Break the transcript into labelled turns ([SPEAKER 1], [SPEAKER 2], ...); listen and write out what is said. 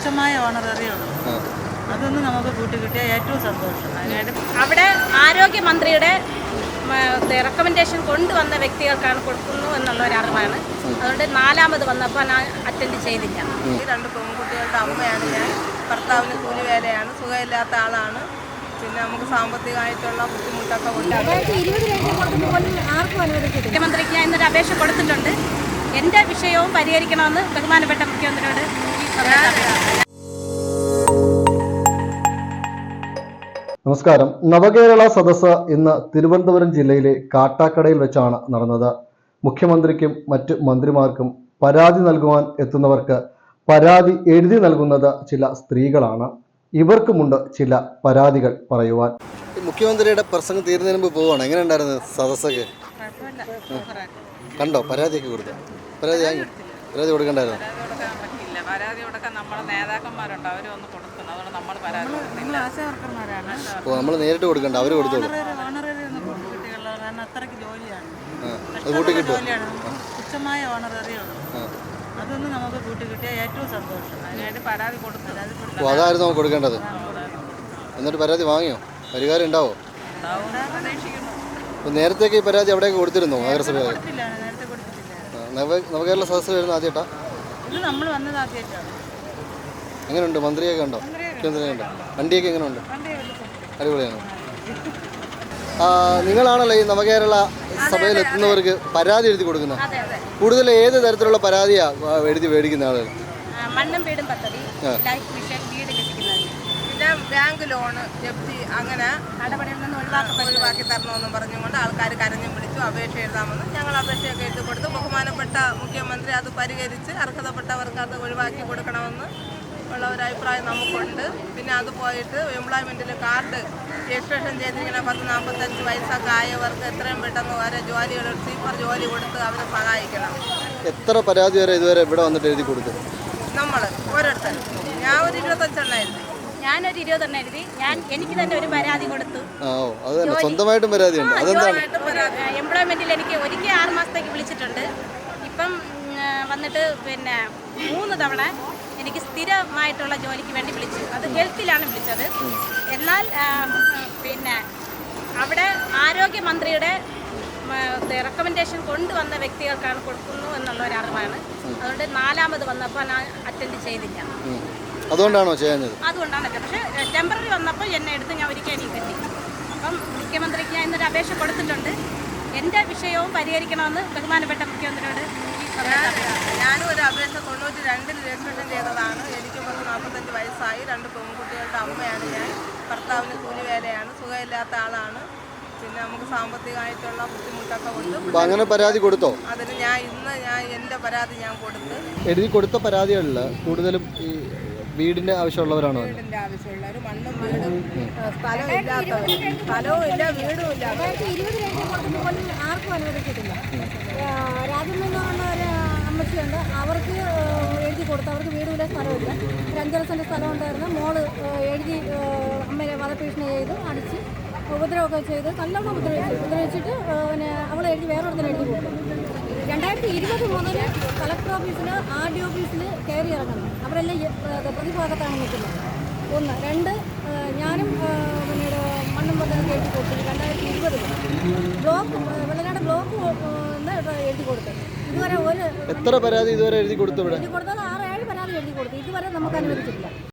[SPEAKER 1] തുച്ഛമായ ഓണററിയുള്ളൂ. അതൊന്നും നമുക്ക് കൂട്ടിക്കിട്ടിയ ഏറ്റവും സന്തോഷം.
[SPEAKER 2] അവിടെ ആരോഗ്യമന്ത്രിയുടെ റെക്കമെൻഡേഷൻ കൊണ്ടുവന്ന വ്യക്തികൾക്കാണ് കൊടുക്കുന്നു എന്നുള്ള ഒരു അറിവാണ്. അതുകൊണ്ട് 4ാമത് വന്നപ്പോൾ ഞാൻ അറ്റൻഡ് ചെയ്തില്ല.
[SPEAKER 1] ഈ 2 പെൺകുട്ടികളുടെ അമ്മയാണ് ഞാൻ. ഭർത്താവിന് കൂലി വേലയാണ്, സുഖമില്ലാത്ത ആളാണ്. പിന്നെ നമുക്ക് സാമ്പത്തികമായിട്ടുള്ള ബുദ്ധിമുട്ടൊക്കെ ഉണ്ട്.
[SPEAKER 2] മുഖ്യമന്ത്രിക്ക് ഞാൻ ഇന്നൊരു അപേക്ഷ കൊടുത്തിട്ടുണ്ട്. എൻ്റെ വിഷയവും പരിഹരിക്കണമെന്ന് ബഹുമാനപ്പെട്ട മുഖ്യമന്ത്രിയോട് ഈ സമയത്ത്.
[SPEAKER 3] നമസ്കാരം. നവകേരള സദസ്സ് ഇന്ന് തിരുവനന്തപുരം ജില്ലയിലെ കാട്ടാക്കടയിൽ വെച്ചാണ് നടന്നത്. മുഖ്യമന്ത്രിക്കും മറ്റ് മന്ത്രിമാർക്കും പരാതി നൽകുവാൻ എത്തുന്നവർക്ക് പരാതി എഴുതി നൽകുന്നത് ചില സ്ത്രീകളാണ്. ഇവർക്കുമുണ്ട് ചില പരാതികൾ പറയുവാൻ.
[SPEAKER 4] മുഖ്യമന്ത്രിയുടെ പ്രസംഗം തീരുന്നതിന് മുമ്പ് പോവാണ്. എങ്ങനെ ഉണ്ടായിരുന്നു സദസ്സൊക്കെ? കണ്ടോ? പരാതിയൊക്കെ കൊടുത്തു? പരാതി കൊടുക്കണ്ടായിരുന്നു?
[SPEAKER 1] പരാതി കൊടുക്കാൻ നമ്മുടെ നേതാക്കന്മാരുണ്ട്, അവരൊന്ന് കൊടുക്കണം. അതുകൊണ്ട് നമ്മൾ പരാതി
[SPEAKER 4] അപ്പോൾ നമ്മൾ നേരിട്ട് കൊടുക്കണ്ട, അവർ കൊടുത്തോളൂ.
[SPEAKER 1] അത്രയ്ക്ക് ജോലിയാണ്,
[SPEAKER 4] അത് കൂട്ടി കിട്ടും.
[SPEAKER 1] തുച്ഛമായ ഓണററിയുള്ളൂ. അതൊന്നും നമുക്ക് കൂട്ടിക്കിട്ടിയ ഏറ്റവും സന്തോഷം. അതിനായിട്ട് പരാതി കൊടുത്തു.
[SPEAKER 4] അപ്പോൾ അതായിരുന്നു നമുക്ക് കൊടുക്കേണ്ടത്. എന്നിട്ട് പരാതി വാങ്ങിയോ? പരിഹാരം ഉണ്ടാവോ? അപ്പോൾ നേരത്തേക്ക് ഈ പരാതി എവിടെയൊക്കെ കൊടുത്തിരുന്നോ? നഗരസഭ നവകേരള സദസ്സ് വരുന്ന ആദ്യമായിട്ടാ?
[SPEAKER 1] ഇത് നമ്മൾ വന്നത് ആദ്യമായിട്ടാണ്.
[SPEAKER 4] എങ്ങനെയുണ്ട്? മന്ത്രിയൊക്കെ ഉണ്ടോ? മുഖ്യമന്ത്രിയൊക്കെ ഉണ്ടോ? വണ്ടിയൊക്കെ എങ്ങനെയുണ്ട്? അടിപൊളിയാണ്. നിങ്ങളാണല്ലോ ഈ നവകേരള സഭയിൽ എത്തുന്നവർക്ക് പരാതി എഴുതി കൊടുക്കുന്നത്. കൂടുതൽ ഏത് തരത്തിലുള്ള പരാതിയാണ് എഴുതി മേടിക്കുന്ന ആളുകൾ?
[SPEAKER 2] മണ്ണും വീടും പദ്ധതി, ലൈഫ് മിഷൻ, വീട് ലഭിക്കുന്നത്,
[SPEAKER 1] പിന്നെ ബാങ്ക് ലോണ് ജപ്തി, അങ്ങനെ
[SPEAKER 2] നടപടിയിൽ നിന്ന്
[SPEAKER 1] ഒഴിവാക്കി തരണമെന്നും പറഞ്ഞുകൊണ്ട് ആൾക്കാർ കരഞ്ഞും വിളിച്ചു അപേക്ഷ എഴുതാമെന്ന്. ഞങ്ങൾ അപേക്ഷയൊക്കെ എഴുതി കൊടുത്ത് ബഹുമാനപ്പെട്ട മുഖ്യമന്ത്രി അത് പരിഹരിച്ച് അർഹതപ്പെട്ടവർക്ക് അത് ഒഴിവാക്കി കൊടുക്കണമെന്ന് ഉള്ള ഒരു അഭിപ്രായം നമുക്കുണ്ട്. പിന്നെ അത് പോയിട്ട് എംപ്ലോയ്മെൻറ്റിൽ കാർഡ് രജിസ്ട്രേഷൻ ചെയ്തിരിക്കുന്ന 10-45 വയസ്സൊക്കെ ആയവർക്ക് എത്രയും പെട്ടെന്ന് വരെ ജോലിയുടെ സീപ്പർ ജോലി കൊടുത്ത് അവരെ സഹായിക്കണം.
[SPEAKER 4] എത്ര പരാതി വരെ ഇതുവരെ ഇവിടെ വന്നിട്ട് എഴുതി കൊടുത്തു?
[SPEAKER 1] നമ്മൾ ഓരോരുത്തരും. ഞാൻ ഒരു 25 എണ്ണം എഴുതി.
[SPEAKER 2] ഞാനൊരു 20 എണ്ണം എഴുതി. എനിക്ക് തന്നെ ഒരു പരാതി കൊടുത്തു.
[SPEAKER 4] സ്വന്തമായിട്ടും പരാതിയുണ്ട്. അതെന്താണ്?
[SPEAKER 2] എംപ്ലോയ്മെന്റിൽ എനിക്ക് ഒരിക്കൽ 6 മാസത്തേക്ക് വിളിച്ചിട്ടുണ്ട്. ഇപ്പം വന്നിട്ട് പിന്നെ 3 തവണ എനിക്ക് സ്ഥിരമായിട്ടുള്ള ജോലിക്ക് വേണ്ടി വിളിച്ചു. അത് ഹെൽത്തിലാണ് വിളിച്ചത്. എന്നാൽ പിന്നെ അവിടെ ആരോഗ്യമന്ത്രിയുടെ റെക്കമെൻഡേഷൻ കൊണ്ടുവന്ന വ്യക്തികൾക്കാണ് കൊടുക്കുന്നു എന്നുള്ള ഒരു അറിവാണ്. അതുകൊണ്ട് 4ാമത് വന്നപ്പോൾ ഞാൻ അറ്റൻഡ് ചെയ്തില്ല.
[SPEAKER 4] അതുകൊണ്ടാണോ ചെയ്യുന്നത്?
[SPEAKER 2] അതുകൊണ്ടാണ്. പക്ഷേ ടെമ്പററി വന്നപ്പോൾ എന്നെ എടുത്ത് ഞാൻ ഒരിക്കൽ എനിക്ക് കിട്ടി. അപ്പം മുഖ്യമന്ത്രിക്ക് ഞാൻ ഇന്നൊരു അപേക്ഷ കൊടുത്തിട്ടുണ്ട്. എൻ്റെ വിഷയവും പരിഹരിക്കണമെന്ന് ബഹുമാനപ്പെട്ട മുഖ്യമന്ത്രിയോട് ഈ സമയത്ത്.
[SPEAKER 1] ഞാനും ഒരു അപേക്ഷ 92-ൽ രജിസ്ട്രേഷൻ ചെയ്തതാണ്. എനിക്ക് 45 വയസ്സായി. 2 പെൺകുട്ടികളുടെ അമ്മയാണ് ഞാൻ. ഭർത്താവിന് കൂലി വേലയാണ്, സുഖമില്ലാത്ത ആളാണ്. പിന്നെ നമുക്ക് സാമ്പത്തികമായിട്ടുള്ള ബുദ്ധിമുട്ടൊക്കെ ഉണ്ട്.
[SPEAKER 4] അങ്ങനെ പരാതി കൊടുത്തോ?
[SPEAKER 1] അതിന് ഇന്ന് എൻ്റെ പരാതി ഞാൻ കൊടുത്ത്.
[SPEAKER 4] എഴുതി കൊടുത്ത പരാതികളിൽ കൂടുതലും ഈ വീടിൻ്റെ ആവശ്യമുള്ളവരാണോ?
[SPEAKER 1] വീടിൻ്റെ ആവശ്യമുള്ളവർ, മണ്ണും വീടും സ്ഥലവും ഇല്ലാത്തവർ, സ്ഥലവും ഇല്ല വീടും ഇല്ല.
[SPEAKER 5] 2020 ആർക്കും അനുവദിച്ചിട്ടില്ല. രാജ്യം എന്ന് പറഞ്ഞ ഒരു അമ്മച്ചിയുണ്ട്, അവർക്ക് എഴുതി കൊടുത്തു. അവർക്ക് വീടുമില്ല, സ്ഥലമില്ല. ഒരു 5 സെൻറ്റ് സ്ഥലം ഉണ്ടായിരുന്നു. മോള് എഴുതി അമ്മയെ വധഭീഷണി ചെയ്ത് അടിച്ച് ഉപദ്രവമൊക്കെ ചെയ്ത് നല്ലോണം ഉപദ്രവിച്ചിട്ട് പിന്നെ അവൾ എഴുതി വേറൊരുത്തരം എഴുതി കൊടുത്തു. 2020 മുതൽ കളക്ടർ ഓഫീസിൽ, RD ഓഫീസിൽ കയറി ഇറങ്ങണം. അവരെല്ലാം പ്രതിഭാഗത്താണ് നിൽക്കുന്നത്. 1. 2, ഞാനും പിന്നീട് മണ്ണും പദ്ധതി എഴുതി കൊടുത്തു. 2020 ബ്ലോക്ക് വെള്ളനാട് ബ്ലോക്ക് എഴുതി കൊടുത്തു. ഇതുവരെ എത്ര
[SPEAKER 4] പരാതി ഇതുവരെ എഴുതി കൊടുത്തു?
[SPEAKER 5] എഴുതി കൊടുത്തത് 6-7 പരാതി എഴുതി കൊടുത്തു. ഇതുവരെ നമുക്ക് അനുവദിച്ചിട്ടില്ല.